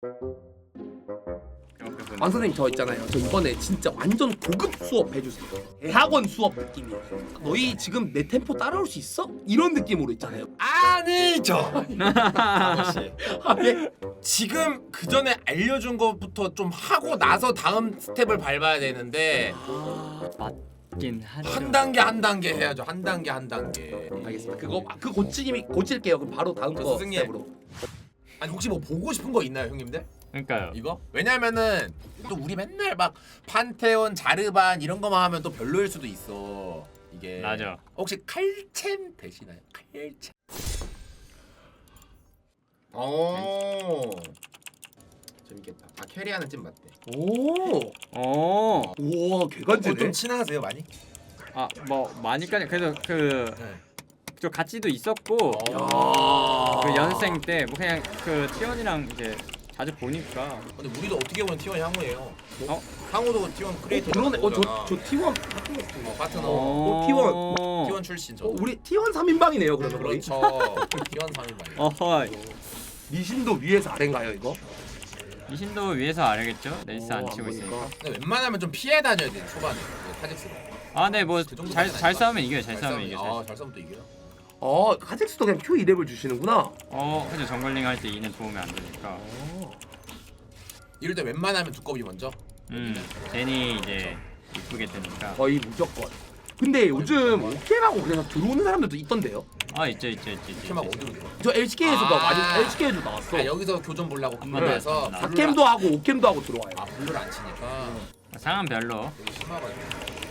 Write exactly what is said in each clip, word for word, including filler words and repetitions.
왕 선생님 저 있잖아요. 저 이번에 진짜 완전 고급 수업 해주세요. 대학원 수업 느낌이에요. 너희 지금 내 템포 따라올 수 있어? 이런 느낌으로 있잖아요. 아니죠. 아저씨. 아, 예? 지금 그 전에 알려준 것부터 좀 하고 나서 다음 스텝을 밟아야 되는데 맞긴 하죠. 한 단계 한 단계 해야죠. 한 단계 한 단계. 알겠습니다. 그거 아, 그 고치기 고칠게요. 그럼 바로 다음 저 거 스승님. 스텝으로. 아니 혹시 뭐 보고 싶은 거 있나요, 형님들? 그러니까요. 이거? 왜냐면은 또 우리 맨날 막 판테온, 자르반 이런 거만 하면 또 별로일 수도 있어. 이게 맞아. 혹시 칼챔 되시나요? 칼챔. 오. 재밌겠다. 아 캐리하는 찜 맞대. 오. 어. 우와 어, 개간지네. 좀 친하세요 많이? 아뭐 많이까지 그래도 그 네. 저 같이도 있었고 어. 그 연생 때 뭐 그냥 그 티원이랑 이제 자주 보니까 근데 우리도 어떻게 보면 티원 향후예요. 어? 향후도 티원 크리에이터. 그러네. 어저저 티원 파트너. 어, 파트너. 어, 티원. 티원 출신 저. 어, 우리 티원 삼 인방이네요. 그러면 거의. 그렇죠. 티원 삼 인방. 어허. 리신도 위에서 아래인가요 이거? 이신도 위에서 알겠죠? 레이스 안 오, 치고 안 있으니까. 보니까. 근데 웬만하면 좀 피해 다녀야 돼 초반에 타직스로. 아, 네, 뭐 그 정도 잘 되진 잘 않을까? 싸우면 이겨요. 잘 싸우면 싸우면- 이겨요. 아, 잘 싸우면 또 이겨요. 어 카젝스도 그냥 Q 이 렙을 주시는구나. 어, 그죠. 정글링 할 때 이는 도움이 안 되니까. 어. 이럴 때 웬만하면 두꺼비 먼저. 음, 제니 이제 이쁘게 뜨니까. 거의 무조건. 근데 요즘 오케하고 그래서 들어오는 사람들도 있던데요. 아, 있죠, 있죠, 있죠, 있죠. 캠막 있죠. 어디로 들어? 저 엘씨케이에서도 아. 많이 엘씨케이에도 나왔어. 아 여기서 교전 보려고 한 번 블루에서 더. 사캠도 하고 오캠도 하고 들어와요. 아 블루를 안 치니까 상한 별로. 되게 심하가지고.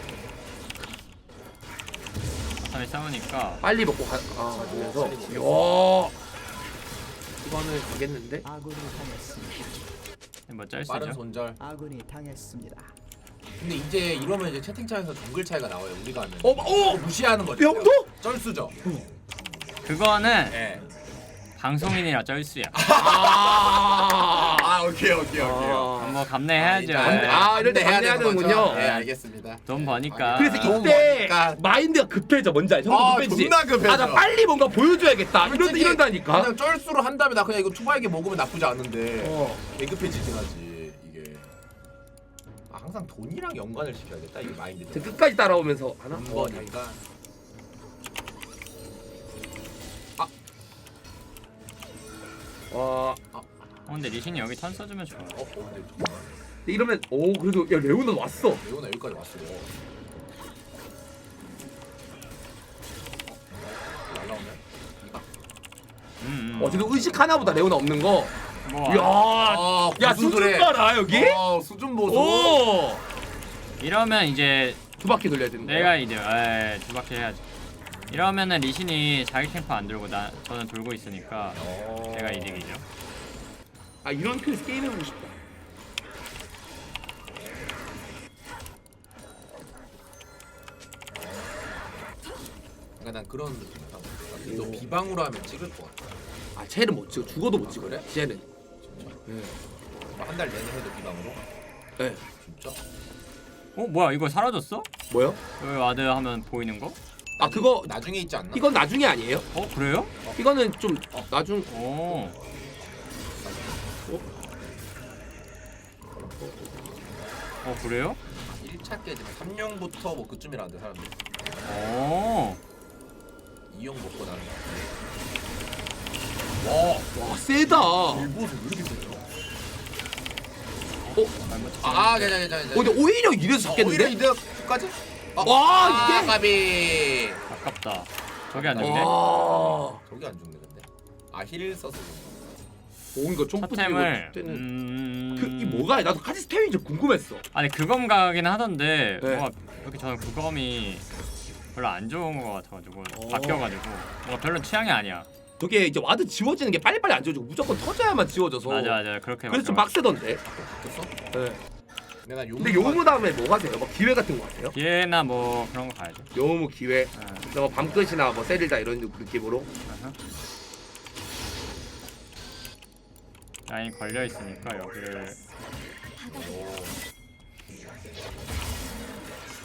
바텀에 싸우니까. 빨리 먹고 가. 아 맞으면서. 야. 이거는 가겠는데? 아군이 당했습니다. 뭐짤 빠른 수죠. 손절. 아군이 당했습니다. 근데 이제 이러면 이제 채팅창에서 정글 차이가 나와요. 우리가 하면. 어, 어! 무시하는 거죠. 형도? 쩔수죠. 그거는 예. 방송인이라 쩔수야. 아. 아 오케이 오케이 오케이. 아. 뭐 감내해야죠. 일단 아, 이럴 때 해야 감내하는군요. 되는 거죠? 네 알겠습니다. 돈 버니까. 그래서 아, 이때 그러니까. 마인드가 급해져. 뭔지 알죠? 아, 급해지지? 존나 급해져. 아, 나 빨리 뭔가 보여줘야겠다. 이런 솔직히 이런다니까. 그냥 쩔수로 한 다음에 나 그냥 이거 투바에게 먹으면 나쁘지 않은데 어. 개급해지긴 하지 이게. 아, 항상 돈이랑 연관을 시켜야겠다 이게 마인드. 저 끝까지 따라오면서 하나? 돈 어, 버니까. 와. 어, 근데 리신이 여기 턴 써주면 좋아. 어, 어 근데 잠깐만. 이러면 오 그래도 야 레오는 왔어. 레오나 여기까지 왔어요. 날라오네. 이봐. 음, 음. 어 지금 의식 하나보다 레오나 없는 거. 뭐, 야. 아, 야 무슨 수준 소리? 봐라 여기. 어, 수준 보소. 오. 이러면 이제 두 바퀴 돌려야 되는 거야. 내가 이제 에, 두 바퀴 해야지. 이러면은 리신이 자기 캠프 안 돌고 나 저는 돌고 있으니까 어. 제가 이득이죠. 아 이런 큐에서 게임 해보고 싶다. 그러니까 난 그런 느낌이다. 너 비방으로 하면 찍을 것 같아. 아 쟤는 못 찍어. 죽어도 못 찍어. 그래? 쟤는. 진짜. 네. 한 달 내내 해도 비방으로? 네. 진짜? 어 뭐야 이거 사라졌어? 뭐요? 여기 와드 하면 보이는 거? 아 그거 나중에 있지 않나? 이건 나중에 아니에요? 어 그래요? 이거는 좀 나중. 오. 어 그래요? 일 차 깨지면 삼 용부터 뭐 그쯤이라는데 사람들. 오. 이 용 먹고 나는 거. 와, 와 세다. 일보수 왜 이렇게 세죠? 어? 아, 괜찮아, 괜찮아. 어 근데 오히려 이래서 오히려 잡겠는데? 이득까지? 어. 와, 아, 이게? 가비. 아깝다. 저기 안 죽네. 와. 저기 안 죽네 근데. 아, 힐 써서 죽네. 오 이거 좀 첫템을 때는 음. 그이 뭐가 나도 카지 스템이 좀 궁금했어. 아니 그검 가긴 하던데 네. 뭔가 이렇게 저는 그검이 별로 안 좋은 거 같아가지고 어. 바뀌어가지고 뭔가 별로 취향이 아니야. 저게 이제 와드 지워지는 게 빨리빨리 안 지워지고 무조건 터져야만 지워져서. 맞아 맞아 그렇게. 그래서 좀 바뀌어가지고. 빡세던데. 됐어? 네. 내가 용. 근데 요무 다음에 뭐 하세요? 뭐 기회 같은 거 하세요? 기회나 뭐 그런 거 가야죠. 요무 기회. 네. 뭐 밤끝이나 뭐 세릴다 이런 느낌으로. 아하. 라인 걸려 있으니까 여기를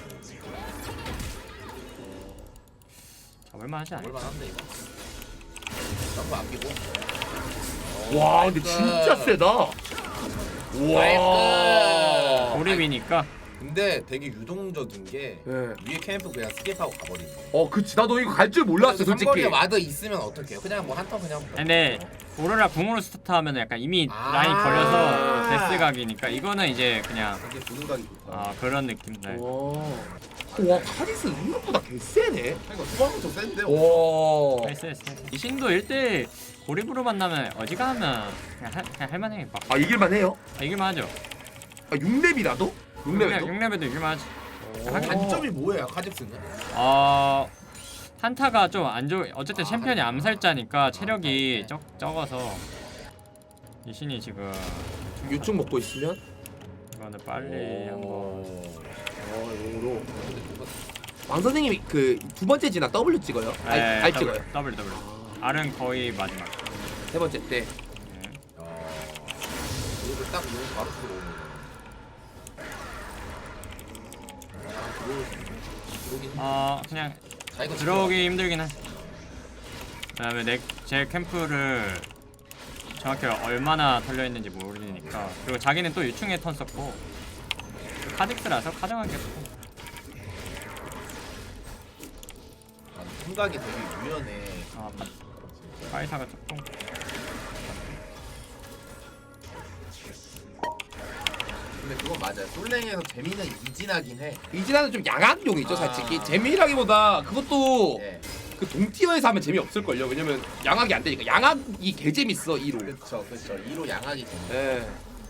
잡을만 하지 않을까? 얼마나 한데 이거? 점프 아끼고. 와 근데 진짜 세다. 와. 고립이니까. 근데 되게 유동적인 게 네. 위에 캠프 그냥 스킵하고 가버리네. 어 그치 나도 이거 갈 줄 몰랐어 솔직히. 삼거리에 와드 있으면 어떡해요? 그냥 뭐 한 턴 그냥. 근데 오로라 궁으로 스타트하면 약간 이미 아. 라인 걸려서 데스 각이니까 이거는 이제 그냥 되게 보는 각이 좋다. 아 그런 느낌. 네. 와 카리스 생각보다 개세네. 그러니까 수박부터 센데. 와. 나이스 나이스. 이 신도 일 대 고립으로 만나면 어지간하면 그냥, 할- 그냥 할만해. 막 아 이길만 해요? 아, 이길만 하죠. 아 육 렙이라도? 육 렙에도? 육 렙에도 이길만 하지. 단점이 뭐예요, 카직스는? 어 한타가 좀 안 좋. 어쨌든 챔피언이 암살자니까 체력이 적 적어서 이 신이 지금 유충 먹고 있으면 이거는 빨리 한번. 어 용으로 왕 선생님이 그 두 번째 지나 W 찍어요? 알, 네, 알 더블, 찍어요? 더블 더블. R은 거의 마지막. 세 번째 때 네. 어. 이걸 딱 누르고 바로 들어오는. 들어오긴. 어 그냥 자 이거 들어오기 힘들긴 해. 그다음에 내 제 캠프를 정확히 얼마나 털려 있는지 모르니까. 그리고 자기는 또 유충에 턴 썼고 카직스라서 카정하게 했고. 생각이 되게 유연해. 아 파- 파이사가 조금. 근데 그건 맞아요. 솔랭에서 재미는 이진하긴 해. 이진아는 좀 양악용이죠 아. 솔직히. 재미라기보다 그것도 예. 그 동티어에서 하면 재미없을걸요. 왜냐면 양악이 안 되니까. 양악이 개재밌어 이로. 그렇죠, 그렇죠. 이로 양악이 재미. 예.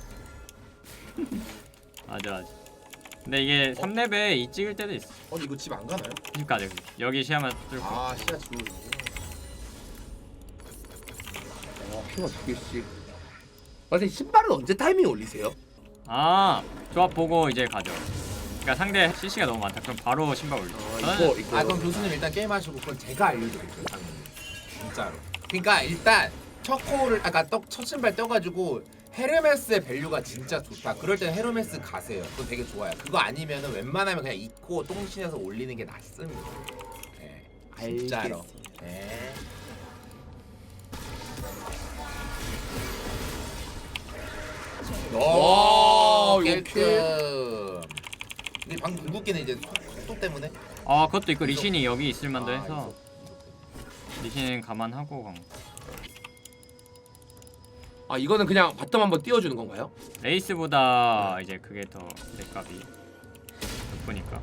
맞아 맞아. 근데 이게 삼 렙에 이 찍을 때도 있어. 어, 이거 집 안 가나요? 집까지 여기 시야만 뚫고. 아, 시야 지금. 와 피가 두 개씩. 선생님 신발은 언제 타이밍 올리세요? 아 조합 보고 이제 가죠. 그러니까 상대 씨씨가 너무 많다. 그럼 바로 신발 올려. 어, 저는 이거 이거. 아, 그럼 교수님 일단 게임 하시고 그건 제가 알려드릴게요, 당연히. 진짜로. 그러니까 일단 첫 코어를 아까 떡 첫 신발 떠가지고 헤르메스의 밸류가 진짜 좋다. 그럴 땐 헤르메스 가세요. 그거 되게 좋아요. 그거 아니면은 웬만하면 그냥 입고 똥신에서 올리는 게 낫습니다. 네, 진짜로. 알겠습니다. 네. 와, 오, 이거 깔끔. 근데 방금 궁극기는 이제 속도 때문에. 아 그것도 있고 리신이 여기 있을 만도 아, 해서 리신 감안하고 간 거. 아 이거는 그냥 바텀 한번 띄워주는 건가요? 레이스보다 이제 그게 더 렉값이 높으니까.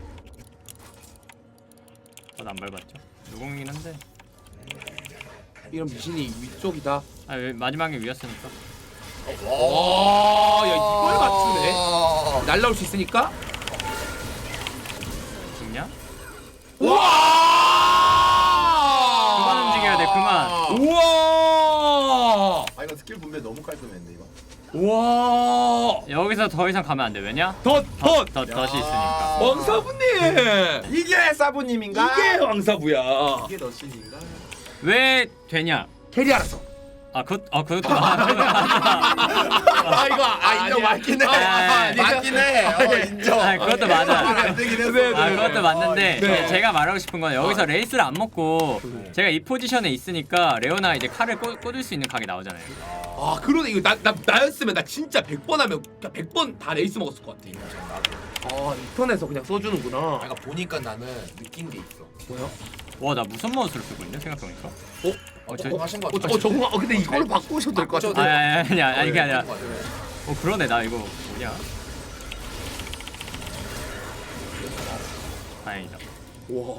저도 안 밟았죠. 누공이긴 한데. 이런 미신이 위쪽이다. 아 왜- 마지막에 위였으니까. 와, 야 이걸 맞추네. 날라올 수 있으니까. 죽냐? 와! 그만 움직여야 돼, 그만. 우와! 아, 이거 스킬 분배 너무 깔끔했는데 이거. 와! 여기서 더 이상 가면 안 돼. 왜냐? 덧! 덧! 더, 더, 덫이 야. 있으니까. 왕사부님! 이게 사부님인가? 이게 왕사부야. 이게 너신인가? 왜 되냐? 캐리 알았어. 아, 그것, 아, 그것도 맞아. 그것도 맞아. 아 이거 아 인정 맞긴 해. 아, 맞긴 해. 어 인정. 아, 그것도 맞아. 안 되긴 했어. 네, 아, 네, 그것도 맞는데 네. 제가 말하고 싶은 건 여기서 레이스를 안 먹고 제가 이 포지션에 있으니까 레오나 이제 칼을 꽂, 꽂을 수 있는 각이 나오잖아요. 아 그러네. 이거 나, 나, 나였으면 나 진짜 백 번 하면 백 번 다 레이스 먹었을 것 같아. 아 인터넷에서 그냥 써주는구나. 내가 보니까 나는 느낀 게 있어. 뭐야? 와, 나 무슨 마우스를 쓰고 있냐 생각해보니까. 어? 어, 저 저, 하신 거 어, 같아. 어 저거 어, 근데 이걸로 바꾸셔도 될 것 바꾸셔도 같은데. 아, 아니, 아니, 아니, 이게 아니라. 네, 어, 그러네, 나 이거 뭐냐. 다행이다. 와.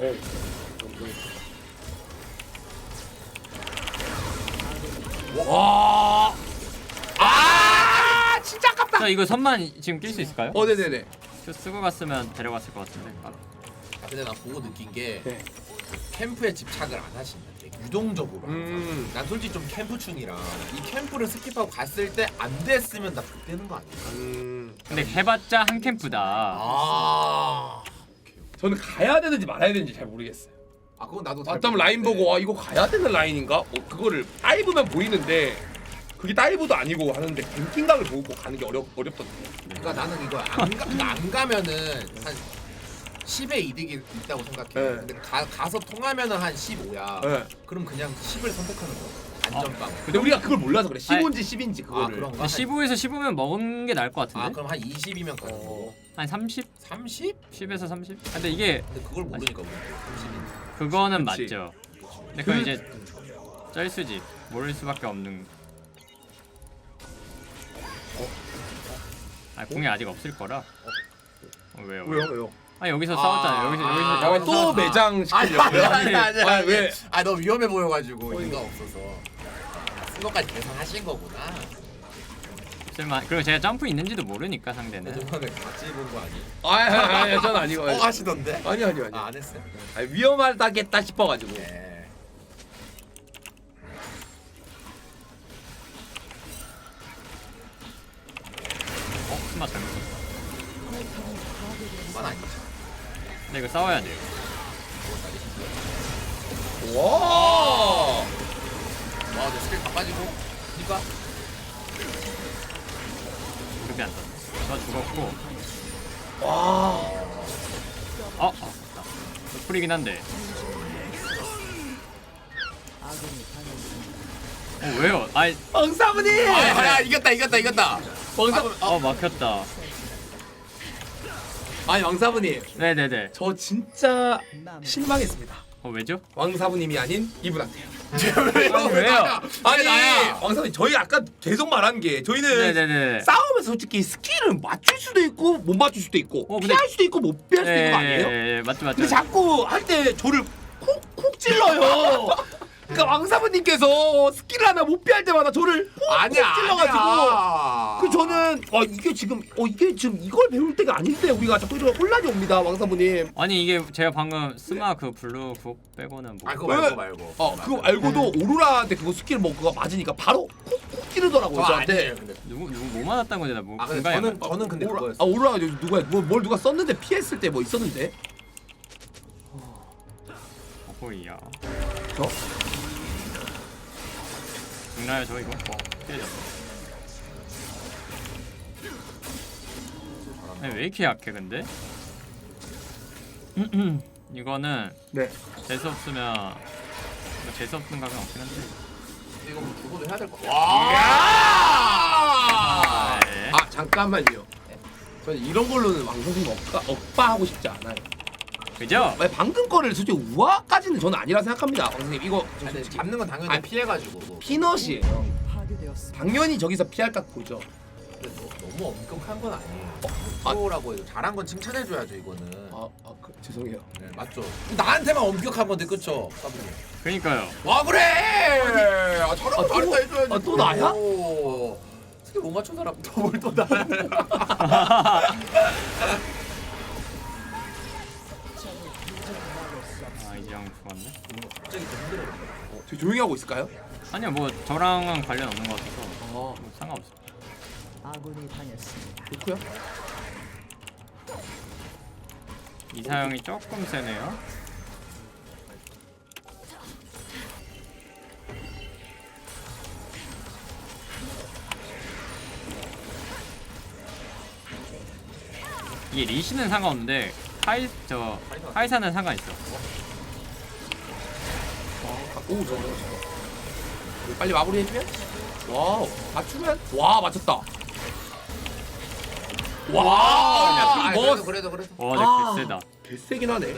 와. 아, 진짜 아깝다. 저 이거 선만 지금 낄 수 있을까요? 어, 네, 네, 네. 저 쓰고 갔으면 데려갔을 것 같은데. 아, 근데 나 보고 느낀 게 네. 캠프에 집착을 안 하신다. 되게 유동적으로. 음. 난 솔직히 좀 캠프충이라 이 캠프를 스킵하고 갔을 때 안 됐으면 나 X되는 거 아니야? 음. 근데 해봤자 한 캠프다. 아. 저는 가야 되는지 말아야 되는지 잘 모르겠어요. 아 그건 나도 잘 바텀 라인 모르겠는데. 보고 와 이거 가야 되는 라인인가? 어, 그거를 다이브면 보이는데 그게 다이브도 아니고 하는데 뱅킹각을 보고 가는 게 어렵 어렵던데. 그러니까 나는 이거 안, 가, 그러니까 안 가면은 한 십에 이득이 있다고 생각해. 네. 근데 가, 가서 통하면은 한 십오야. 네. 그럼 그냥 십을 선택하는 거야. 안전빵. 근데 우리가 그걸 몰라서 그래. 십오인지 십인지 아 그거를. 그런가? 십오에서 십오면 먹은 게 나을 것 같은데? 아 그럼 한 이십이면 가는 거. 한 삼십? 삼십? 십에서 삼십? 근데 이게 근데 그걸 모르니까 우리 삼십인지. 그거는 그치. 맞죠. 근데 그건 그- 이제 쩔수지. 모를 수밖에 없는. 아 공이 아직 없을 거라. 어, 왜요? 왜요 왜요? 아 여기서 아, 싸웠잖아요. 여기서 여기서 아, 여기서 또 싸웠- 매장 아니 시키려고요? 아니 아니 아, 아니. 왜? 아 너무 위험해 보여가지고 이가 없어서. 쓴 것까지 계산하신 거구나. 쓸만. 그리고 제가 점프 있는지도 모르니까 상대는. 저번에 같이 본 거 아니? 아니 아니 아니 전 아니고. 어 하시던데? 아니 아니 아니. 아 안 했어요? 아니, 위험하다겠다 싶어가지고. 네. 어? 스마 잘못 썼어. 그건 아니죠. 근데 이거 싸워야 돼요. 와. 와, 내 스킬 다 빠지고. 그니까. 급이 안 떴네. 저 죽었고. 와. 어? 아 맞다. 풀이긴 한데. 아군이 당했습니다. 어 왜요? 아이 왕사부님. 아, 야, 이겼다, 이겼다, 이겼다. 왕사. 어 막혔다. 아니 왕사부님. 네네네. 저 진짜 남 실망했습니다. 어 왜죠? 왕사부님이 아닌 이분한테요. 아니 왜요? 아니 나야. 왕사부님 저희 아까 계속 말한 게 저희는 네네네. 싸움에서 솔직히 스킬은 맞출 수도 있고 못 맞출 수도 있고 어, 근데- 피할 수도 있고 못 피할 수도 있는 거 아니에요? 예, 예, 맞죠 맞죠. 근데 자꾸 할 때 저를 콕콕 찔러요. 그러니까 왕사부님께서 스킬 하나 못 피할 때마다 저를 콕콕 아니야, 찔러가지고 아니야. 그 저는 어 이게 지금 어 이게 지금 이걸 배울 때가 아닌데 우리가 자꾸 이런 혼란이 옵니다 왕사부님. 아니 이게 제가 방금 스마 그 블루 그거 빼고는 뭐. 아, 그거 왜? 말고 말고. 어 그거 알고도 오로라한테 그거 스킬 뭐 그거 맞으니까 바로 콕콕 찌르더라고요 저 저한테. 아니에요, 근데. 누구 누구 뭐 맞았다는 건지 나뭐 아, 근데 공감이 안 저는 가. 저는 근데 오라, 그거였어. 아 오로라 저기 누가 뭐, 뭘 누가 썼는데 피했을 때 뭐 있었는데? 어호이야. 저? 죽나요 저 이거? 어 깨졌어. 아니, 왜 이렇게 약해 근데? 이거는 네. 재수 없으면 뭐 재수 없는 각은 없긴 한데. 이거 뭐 죽어도 해야 될 거. 와! 아, 예. 아 잠깐만요. 저는 이런 걸로는 왕선생님 억까, 억바하고 싶지 않아요. 그죠? 아니, 방금 거를 솔직히 우아까지는 저는 아니라 생각합니다. 왕선생님 이거 저 아니, 솔직히 잡는 건 당연히 아니, 피해가지고. 뭐. 피넛이에요. 파괴되었습니다. 당연히 저기서 피할 각 보죠. 근데 너- 너무 엄격한 건 아니에요. 아. 프로라고 해도 잘한 건 칭찬해줘야죠 이거는. 아, 아 그, 죄송해요. 네, 맞죠. 나한테만 엄격한 건데 그쵸? 사부님. 그러니까요. 와 그래. 아 저런 아, 거 또- 잘했다 해줘야지. 아, 또 나야? 오. 스킬 못 맞춘 사람 또뭘또 나. 아 이제 형 죽었네. 갑자기 좀 힘들어. 저 조용히 하고 있을까요? 아니요 뭐 저랑은 관련 없는 것 같아서 아 뭐 상관없어. 아군이 당했습니다. 좋고요. 이사형이 조금 세네요. 이게 리시는 상관없는데 카이 저 카이사는 상관 있어. 아, 오 저거 저거. 빨리 마무리해주면? 와우 맞추면? 와 맞췄다. 와, 아, 야, 그래도 뭐 그래도 그래도. 와, 아. 내 개쎄다. 개세긴 하네.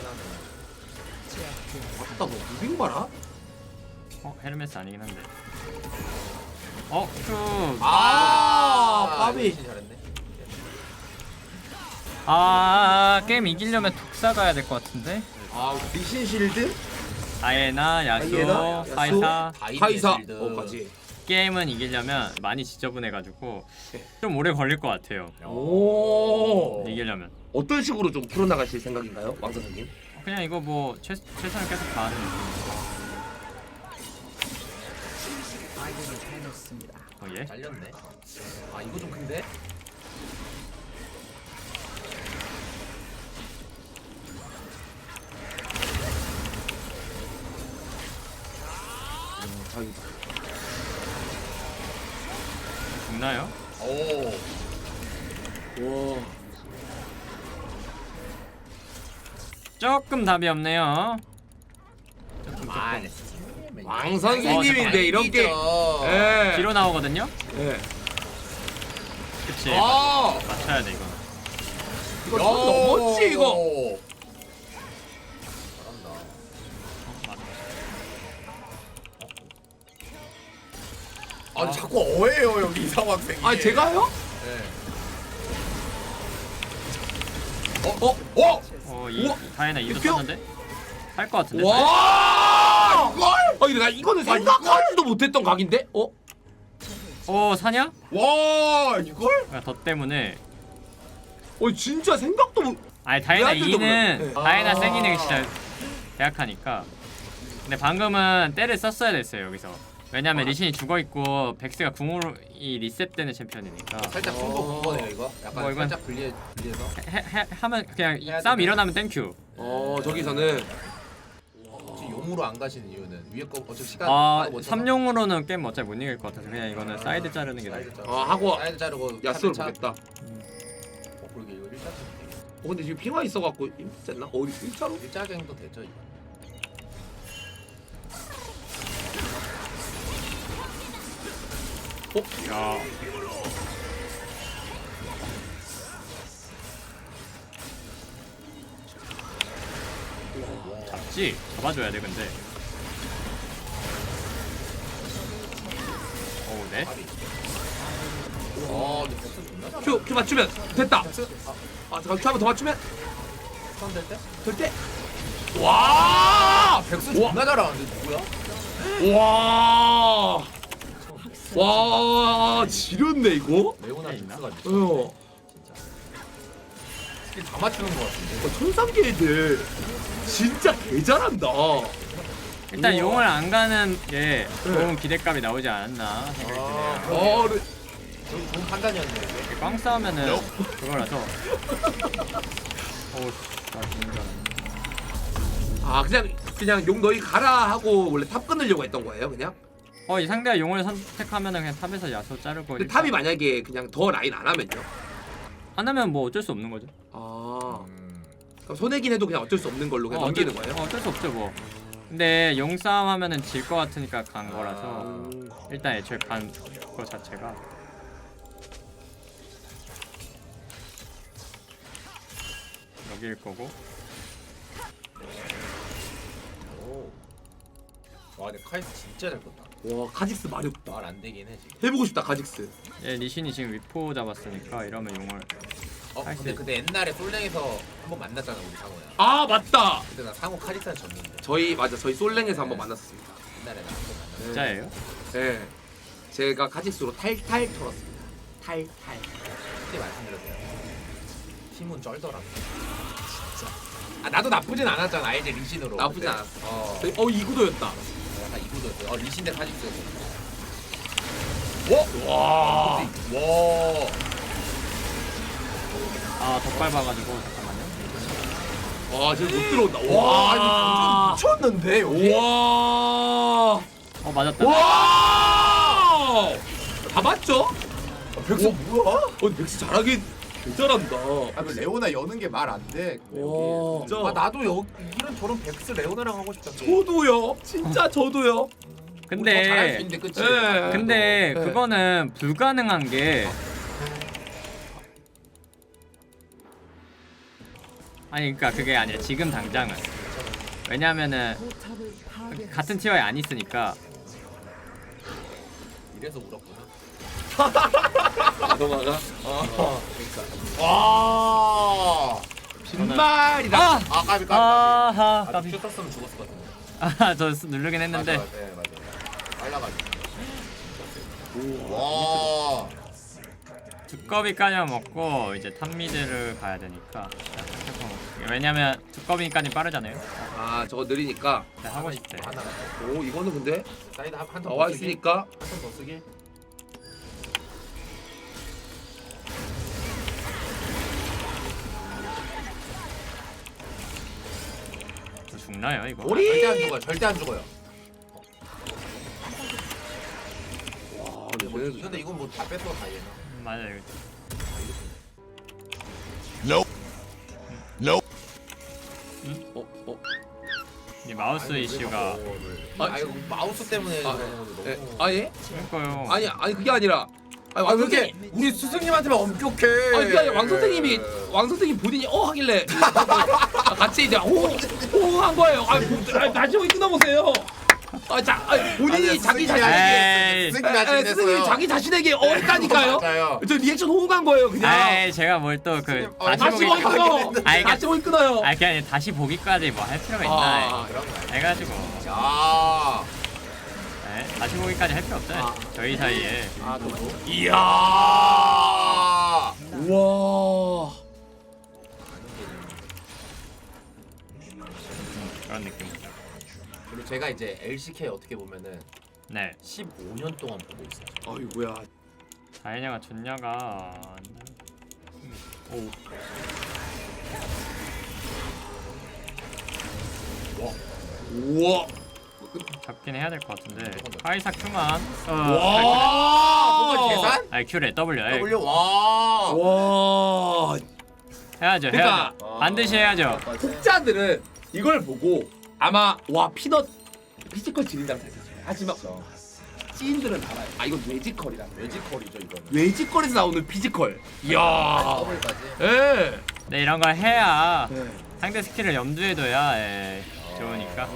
맞다 뭐 무빙 봐라. 어, 헤르메스 아니긴 한데. 어, 그 아, 까비. 역시 잘했네. 아, 게임 이기려면 독사 가야 될 것 같은데. 아 리신 실드? 다이애나, 야수, 다이애나, 야수. 카이사. 카이사. 실드. 어 맞지. 게임은 이기려면 많이 지저분해가지고 좀 오래 걸릴 것 같아요. 오. 이기려면. 어떤 식으로 좀 풀어나가실 생각인가요, 왕 선생님? 그냥 이거 뭐 최, 최선을 계속 다하는 느낌. 아군이 당했습니다. 어, 예? 잘렸네. 아 이거 좀 큰데? 자기다. 죽나요? 오. 와. 조금 답이 없네요. 조금 조금. 아, 왕 선생님인데 어, 이렇게. 예. 뒤로 나오거든요. 예. 그치. 아, 맞춰야 돼 이거. 이거 선 넘었지 이거. 잘한다. 아 자꾸 어해요 여기 이상호 학생이. 아 제가요? 네. 어? 어? 어? 어, 이 우와. 다이나 이도 이거? 썼는데 살 것 같은데. 와! 이걸? 아 근데 나 이거는 생각하지도 못했던 각인데? 어? 어 사냐? 와 이걸? 그러니까 더 때문에. 어 진짜 생각도 못. 아니 다이나 왜안 이는 뜯어보네. 다이나 아. 세기는 진짜 계약하니까. 근데 방금은 때를 썼어야 됐어요 여기서. 왜냐면 아. 리신이 죽어 있고 백스가 궁으로 이 리셋되는 챔피언이니까. 살짝 승부 본 거네요 이거. 약간 뭐 이건- 살짝 분리해 분리해서. 해, 해, 하면 그냥 해야 싸움 되네. 일어나면 땡큐. 어 저기서는 혹시 용으로 안 가시는 이유는 위에 거 어차피 시간 아 많이 못 쳐서. 삼용으로는 게임 어차피 못 이길 것 같아서 그냥 이거는 사이드 자르는 게 나아. 사이드 자르고. 아 하고 사이드 자르고 야스를 차- 보겠다. 어 그러게 이거 일자 어 근데 지금 핑화 있어갖고 힘들었나? 어디 일자로? 일자갱도 되죠 이거. 야. 잡지? 잡아줘야 돼 근데. 어우 네? 와 근데 백스 존나 잘한다. 큐! 큐 맞추면 됐다! 백스 아 아 잠깐 큐 한 번 더 맞추면 스턴 될 때? 될 때! 와! 백스 우와. 존나 잘하는데 누구야? 와! 와 지렸네 이거? 레오나 있나? 백스가 미쳤네 어. 진짜 스킬 다 맞추는 거 같은데. 어, 천상계 애들 진짜 개 잘한다. 일단 우와. 용을 안 가는 게 좋은 기대값이 나오지 않았나 생각이 아, 드네요. 어, 네. 좋은, 좋은 판단이었네 이게. 이렇게 꽝 싸우면은 그거라서. 어우 나 죽는 줄 알았네. 아 그냥 그냥 용 너희 가라 하고 원래 탑 끊으려고 했던 거예요 그냥? 어 이 상대가 용을 선택하면은 그냥 탑에서 야수 자르고. 근데 일단 탑이 만약에 그냥 더 라인 안 하면요? 안 하면 뭐 어쩔 수 없는 거죠. 아 음. 그럼 손해긴 해도 그냥 어쩔 수 없는 걸로 그냥 어, 넘기는 어쩔, 거예요? 어, 어쩔 수 없죠 뭐. 근데 용싸움 하면은 질 것 같으니까 간 아. 거라서 일단 애초에 간 거 자체가. 여기일 거고. 오. 와 근데 카이스 진짜 잘 컸다. 와 카직스 많이 없다. 말 안 되긴 해 지금. 해보고 싶다 카직스. 얘 리신이 지금 위포 잡았으니까 이러면 용을. 어 카이스. 근데 근데 옛날에 솔랭에서 한번 만났잖아 우리 상호야. 아 맞다. 그때 나 상호 카리스한 졌는데. 저희 맞아 저희 솔랭에서 한번 만났었습니다. 옛날에 나 한번 만났어. 진짜예요? 네. 제가 카직스로 탈탈 털었습니다. 탈탈. 그때 말씀드렸어요. 팀은 쩔더라. 진짜. 아 나도 나쁘진 않았잖아 알지 리신으로. 나쁘진 근데- 않았어. 어. 저희- 어 이구도였다. 약간 이구도였어. 어 리신 대 카직스였어. 와. 와. 아 덧발 봐가지고 잠깐만요. 와 지금 못 들어온다. 와 와. 아니 완전 미쳤는데 여기. 와. 어 맞았다. 와. 다 맞죠? 백수 뭐야? 어 근데 백스 잘하긴 개 잘한다. 아, 그 레오나 여는 게 말 안 돼. 와. 아 나도 여 이런 저런 백스 레오나랑 하고 싶다. 저도요. 진짜 저도요. 우리 더 잘할 수 근데 있는데 그치? 예. 근데 네. 그거는 불가능한 게. 아니 그러니까 그게 아니라 지금 당장은. 왜냐면은 포탑을 파괴했습니다. 같은 티어에 안 있으니까. 이래서 울었구나. 너가가 어. 그러니까. 와. 빈말이다. 아! 아 까비 까비. 아하 까비. 까비. 아, 큐 썼으면 죽었을 것 같은데. 아저 누르긴 했는데. 맞아, 맞아, 맞아. 빨라가지고. 와. 두꺼비 까냐 먹고 이제 탑미드를 가야 되니까. 왜냐면 두꺼비까지 빠르잖아요. 아 저거 느리니까. 네, 하고 싶대. 하나. 오 이거는 근데 사이드 한턴 나와 있으니까. 한턴 더 쓰기. 저 죽나요 이거? 우리- 절대 안 죽어요. 절대 안 죽어요. 와 근데, 뭐, 근데 근데 이건 뭐 다 뺐어 다 얘나. 음, 맞아요. 어? 어? 이 마우스 이슈가. 아, 아 이거 마우스 때문에 아, 그러는 건데 예. 너무. 아 예? 그러니까요. 아니 아니 그게 아니라 아니 아, 왜 왕 이렇게 선생님 우리 스승님한테만 엄격해? 아니 그게 아니라 왕 선생님이 왕 선생님 본인이 어 하길래 아, 같이 이제 호호한 거예요. 아니 뭐, 아니, 다시 한번 끊어보세요. 아, 자, 아니, 본인이 아니, 자기 스승님이 자신에게 에이. 스승님이 에, 하시긴 에, 스승님이 했어요. 자기 자신에게 어 했다니까요. 맞아요. 저 리액션 호응한 거예요 그냥. 아이 제가 뭘 또 그 어, 다시 다시 보기. 보기 끊어. 아이, 다시 보기 끊어요. 아 그냥 다시 보기까지 뭐 할 필요가 있나? 아, 그런 거야. 해가지고. 야. 네, 다시 보기까지 할 필요 없잖아요. 아. 저희 사이에. 아, 그리고 이야. 우와. 그런 느낌. 그리고 제가 이제 엘씨케이 어떻게 보면은 네. 십오 년 동안 보고 있어요. 아이고야. 다이냐가 좋냐가. 오. 우와. 잡긴 해야 될 것 같은데. 카이사 Q만. 어. 와. 뭔가 계산? 아니 Q래 W. 에이, W 와. 와. 해야죠. 그러니까- 해야죠. 반드시 해야죠. 독자들은 이걸 보고 아마 와 피넛 피지컬 지린다고 생각했어요. 하지만 찐들은 알아요. 아 이건 뇌지컬이라. 뇌지컬이죠 이거는. 뇌지컬에서 나오는 피지컬. 이야. 더블까지. 예. 네 이런 걸 해야 네. 상대 스킬을 염두에 둬야 예, 좋으니까.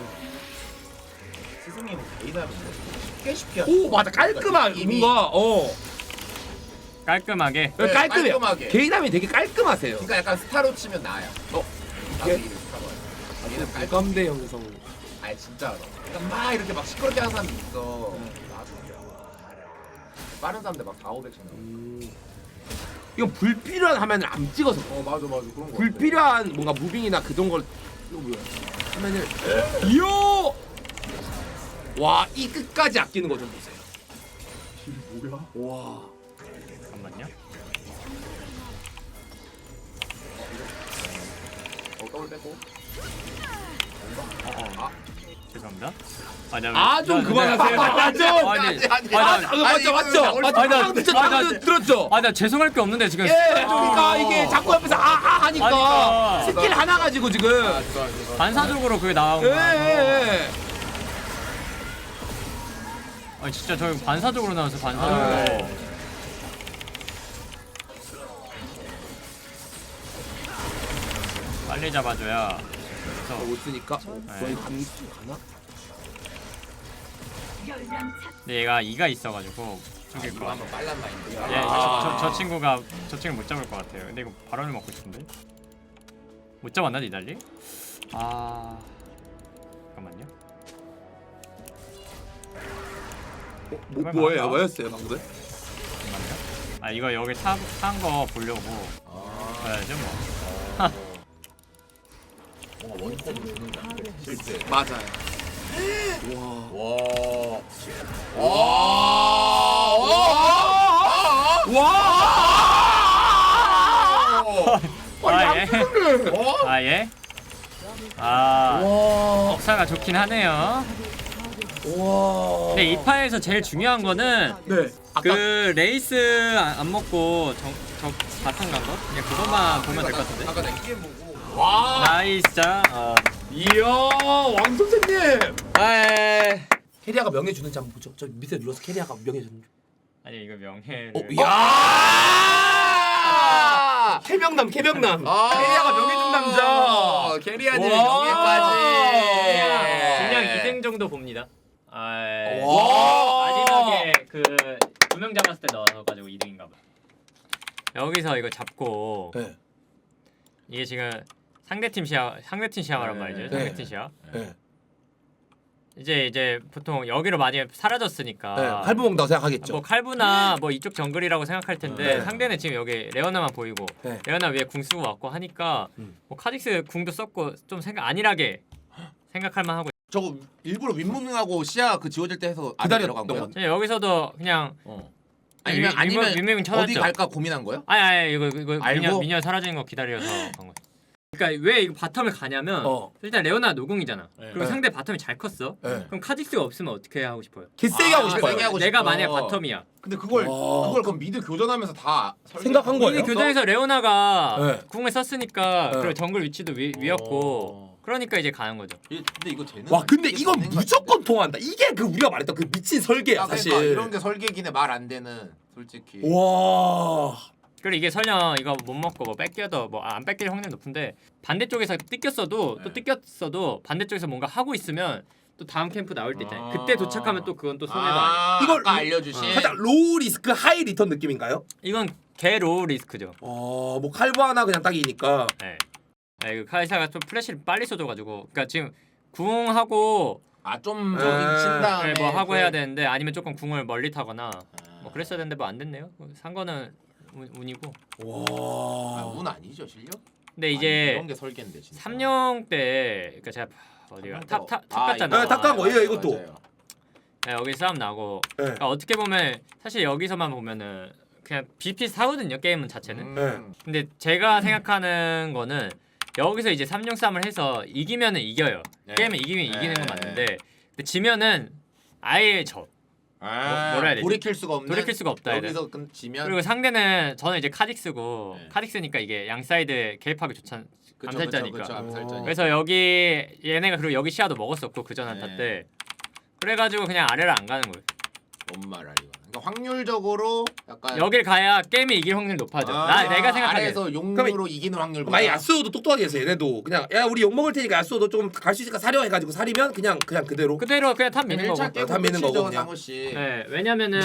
스승님은 개인하면 쉽게 쉽게. 오 맞아 깔끔한 이미- 뭔가 어 깔끔하게. 네, 깔끔해요. 깔끔하게. 개인함이 되게 깔끔하세요. 그러니까 약간 스타로 치면 나야. 어? 나도 예? 이름 스타로. 얘는 깔끔. 공감대 형성. 아니 진짜로. 그러니까 막 이렇게 막 시끄럽게 하는 사람이 있어. 나도. 빠른 사람들 막 사오백 씩 나와. 음. 이건 불필요한 화면을 안 찍어서 그래. 어 맞아 맞아 그런 거. 불필요한 뭔가 무빙이나 그런 걸 이거 뭐야 화면을 이요 와이 끝까지 아끼는 거 좀 보세요. 뭐야? 와 잠깐만요. 어 더블 빼고. 어, 어. 아. 죄송합니다. 아, 나 왜- 아 좀 나- 그만하세요. 나- 아 좀. 아니, 아니, 아니, 아, 아니, 아, 아니, 맞죠, 이거 맞죠. 진짜 맞죠, 아니, 나- 방금 듣죠, 아니, 방금 나- 들었죠. 아, 나 죄송할 게 없는데 지금. 예, 그러니까 이게 자꾸 옆에서 아아 하니까 하니까. 스킬 하나 가지고 지금. 아 좋아 좋아. 반사적으로 그게 나온 예, 거야. 예, 예. 아니 진짜 저 이거 반사적으로 나왔어 반사적으로. 아, 빨리 잡아줘야. 그래서 못 쓰니까. 네. 거의 감 가나? 근데 얘가 이가 있어가지고 죽일 이거 거야. 한번 빨란 마인드. 예, 아. 저, 저, 저 친구가 저 친구 못 잡을 것 같아요. 근데 이거 바람을 먹고 싶은데 못 잡았나 니달리? 아 잠깐만요. 어, 뭐 뭐예요? 뭐였어요 방금? 잠깐만요. 아 이거 여기 탄거 보려고 아. 봐야죠 뭐. 뭔가 원코드 주는 거 같아. 실제. 맞아요. 와. 와. 와. 와. 아, 예. 양쪽을. 어? 아 예? 아 와. 역사가 좋긴 하네요. 와. 근데 이 파에서 제일 중요한 거는 네. 아까 그 레이스 안, 안 먹고 저, 저 바텀 간 거? 그냥 그것만 보면 될 것 같은데. 아까 내 게임 보고. 와. 나이스 자. 어. 이야 왕 선생님. 아 캐리아가 명예 주는지 한번 보죠. 저 밑에 눌러서 캐리아가 명예 주는. 아니 이거 명예를. 어, 이야. 캐명남 캐명남. 아. 캐리아가 명예 준 남자. 캐리아님의 와. 명예까지. 그냥 이 등 정도 봅니다. 아 와. 마지막에 그 두 명 잡았을 때 넣어가지고 이 등인가 봐. 여기서 이거 잡고 네. 이게 지금 상대팀 시야 상대팀 시야란 네. 말이죠. 네. 상대팀 시야. 네. 이제 이제 보통 여기로 많이 사라졌으니까 네. 칼부 먹는다고 생각하겠죠. 뭐 칼부나 뭐 이쪽 정글이라고 생각할 텐데 네. 상대는 지금 여기 레오나만 보이고 네. 레오나 위에 궁 쓰고 왔고 하니까 음. 뭐 카직스 궁도 썼고 좀 생각 안일하게 생각할 만하고 저거 일부러 윗무빙하고 시야 그 지워질 때 해서 안에 기다려 들어간 거예요? 그냥 여기서도 그냥 어. 아니면 아니면 윗무빙 쳐놨죠. 어디 갈까 고민한 거예요? 아니 아니 이거 이거 알고? 미녀 미녀 사라지는 거 기다려서 간 거. 그러니까 왜 이거 바텀을 가냐면 어. 일단 레오나 노궁이잖아. 네. 그리고 네. 상대 바텀이 잘 컸어. 네. 그럼 카직스가 없으면 어떻게 하고 싶어요? 개세게 아, 하고 싶어요. 세게 하고 내가 싶어. 만약 바텀이야. 근데 그걸 와. 그걸 그럼 미드 교전하면서 다 설계- 생각한 거예요? 이미 교전에서 레오나가 네. 궁을 썼으니까 네. 그리고 정글 위치도 위, 위였고 어. 그러니까 이제 가는 거죠. 이- 근데 이거 되는 와 거 근데 이게 이건 되는 거 무조건 같은데? 통한다. 이게 그 우리가 말했던 그 미친 설계야 아, 사실. 그러니까 이런 게 설계기네 말 안 되는 솔직히. 와. 그리고 이게 설령 이거 못 먹고 뭐 뺏겨도 뭐 안 뺏길 확률 높은데 반대쪽에서 뜯겼어도 또 네. 뜯겼어도 반대쪽에서 뭔가 하고 있으면 또 다음 캠프 나올 때 있잖아요. 그때 도착하면 또 그건 또 손해도 아니에요. 아, 이걸 아까 알려주신. 살짝 로우 리스크 하이 리턴 느낌인가요? 이건 개 로우 리스크죠. 어뭐 칼부 하나 그냥 딱이니까. 네. 네, 그 카이사가 좀 플래시를 빨리 쏘줘가지고 그러니까 지금 궁하고 아좀 에. 친 다음에 네, 뭐 하고 해야 그- 되는데 아니면 조금 궁을 멀리 타거나 아. 뭐 그랬어야 되는데 뭐 안 됐네요. 산 거는 운, 운이고. 아, 와. 운 아니죠 실력? 근데 아니, 이제 이런 게 설계인데 진짜. 삼룡 때 그러니까 제가 어디가 탑탑탑 아, 갔잖아. 네, 탑 간 거예요, 맞아요, 이것도. 맞아요. 네, 여기 싸움 나고 네. 그러니까 어떻게 보면 사실 여기서만 보면은 그냥 비슷하거든요 게임은 자체는. 음. 근데 제가 생각하는 거는 여기서 이제 삼룡 싸움을 해서 이기면은 이겨요. 네. 게임은 이기면 이기는 건 네. 맞는데 근데 지면은 아예 져. 아, 뭐라 해야 되지? 돌이킬 수가 없는. 돌이킬 수가 없다 해야 돼. 여기서 끈 지면. 그리고 상대는 저는 이제 카딕스고 네. 카딕스니까 이게 양 사이드 개입하기 좋잖. 그쵸, 암살자니까. 그쵸, 그쵸, 암살자니까. 그래서 여기 얘네가 그리고 여기 시야도 먹었었고 그전 한타 네. 때. 그래가지고 그냥 아래를 안 가는 거예요. 뭔 말이야 이거. 그러니까 확률적으로 약간. 여길 가야 게임이 이길 확률 높아져. 아, 나 내가 생각하기에. 아래에서 용으로 이기는 확률. 만약 야스오도 똑똑하게 해서 얘네도 그냥 야 우리 욕 먹을 테니까 야스오도 좀 갈 수 있으니까 사려 해가지고 사리면 그냥 그냥 그대로. 그대로 그냥 탑 미는 일 차 거고. 깨고 다 미는 거고, 끝이죠, 그냥. 상호 씨. 네, 왜냐면은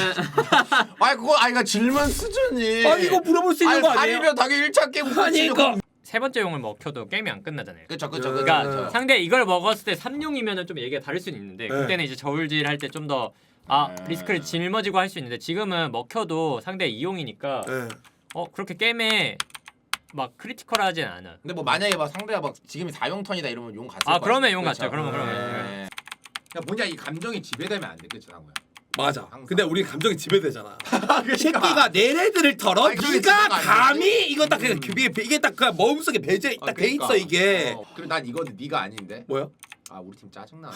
아니 그거 아니 그 질문 수준이. 아 이거 물어볼 수 있는 거 아니에요? 사리면 당연히 일 차 깨고 아니 이거. 세 번째 용을 먹혀도 게임이 안 끝나잖아요. 그쵸 그쵸 그쵸. 그러니까 그쵸. 상대 이걸 먹었을 때 삼룡이면은 좀 얘기가 다를 수는 있는데 네. 그때는 이제 저울질 할 때 좀 더 아 네. 리스크를 짊어지고 할 수 있는데 지금은 먹혀도 상대 이용이니까 네. 어 그렇게 게임에 막 크리티컬하진 않아. 근데 뭐 만약에 막 상대가 막 지금이 사용 턴이다 이러면 용 갔을 아 거 그러면 아니야. 용 그쵸? 같죠. 그러면 그러면. 네. 그러니까 뭐냐 이 감정이 지배되면 안 돼, 그치 상호야? 맞아. 항상. 근데 우리 감정이 지배되잖아. 이 새끼가 내래들을 털어. 아니, 그게 네가 지배가 감히 아니지. 이거 딱 그냥 음. 이게 이게 딱 그 마음속에 배제 아, 딱 돼 그러니까. 있어 이게. 어, 그리고 난 이거 네가 아닌데. 뭐야? 아 우리 팀 짜증나.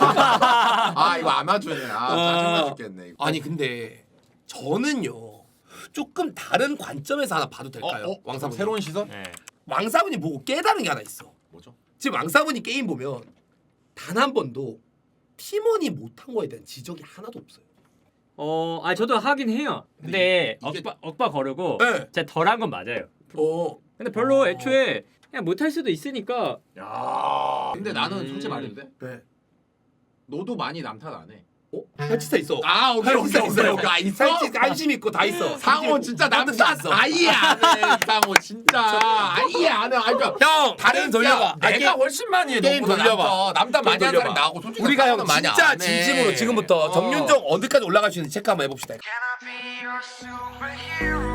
아 이거 아마추어네. 아 짜증나 아. 죽겠네. 이거. 아니 근데 저는요 조금 다른 관점에서 하나 봐도 될까요? 어, 어? 왕사분 새로운 시선? 네. 왕사분이 보고 깨달은 게 하나 있어. 뭐죠? 지금 왕사분이 게임 보면 단 한 번도 팀원이 못한 거에 대한 지적이 하나도 없어요. 어, 아 저도 하긴 해요. 근데 이게- 억바 억바 거르고 네. 제가 덜한 건 맞아요. 어. 근데 별로 애초에 그냥 못할 수도 있으니까. 야. 근데 나는 음. 솔직히 말해도 돼? 네. 너도 많이 남 탓 안 해. 어? 살치사 있어. 아 오케이 오케이 오케이 오케이. 아 있어? 살치 안심 있고 다 있어. 상호 진짜 남 탓 아예 안 해. 상호 진짜 아예 안 해. 아니 그러니까 형 다른 돌려봐. 야, 내가 훨씬 많이 해. 게임 너보다 돌려봐. 남탓. 남탓 많이 게임 하는 사람이 돌려봐. 나하고 솔직히 우리가 형 남탓은 많이 진짜 안 해. 진심으로 지금부터 어. 정윤종 어디까지 올라갈 수 있는지 체크 한번 해봅시다. Can I be your superhero?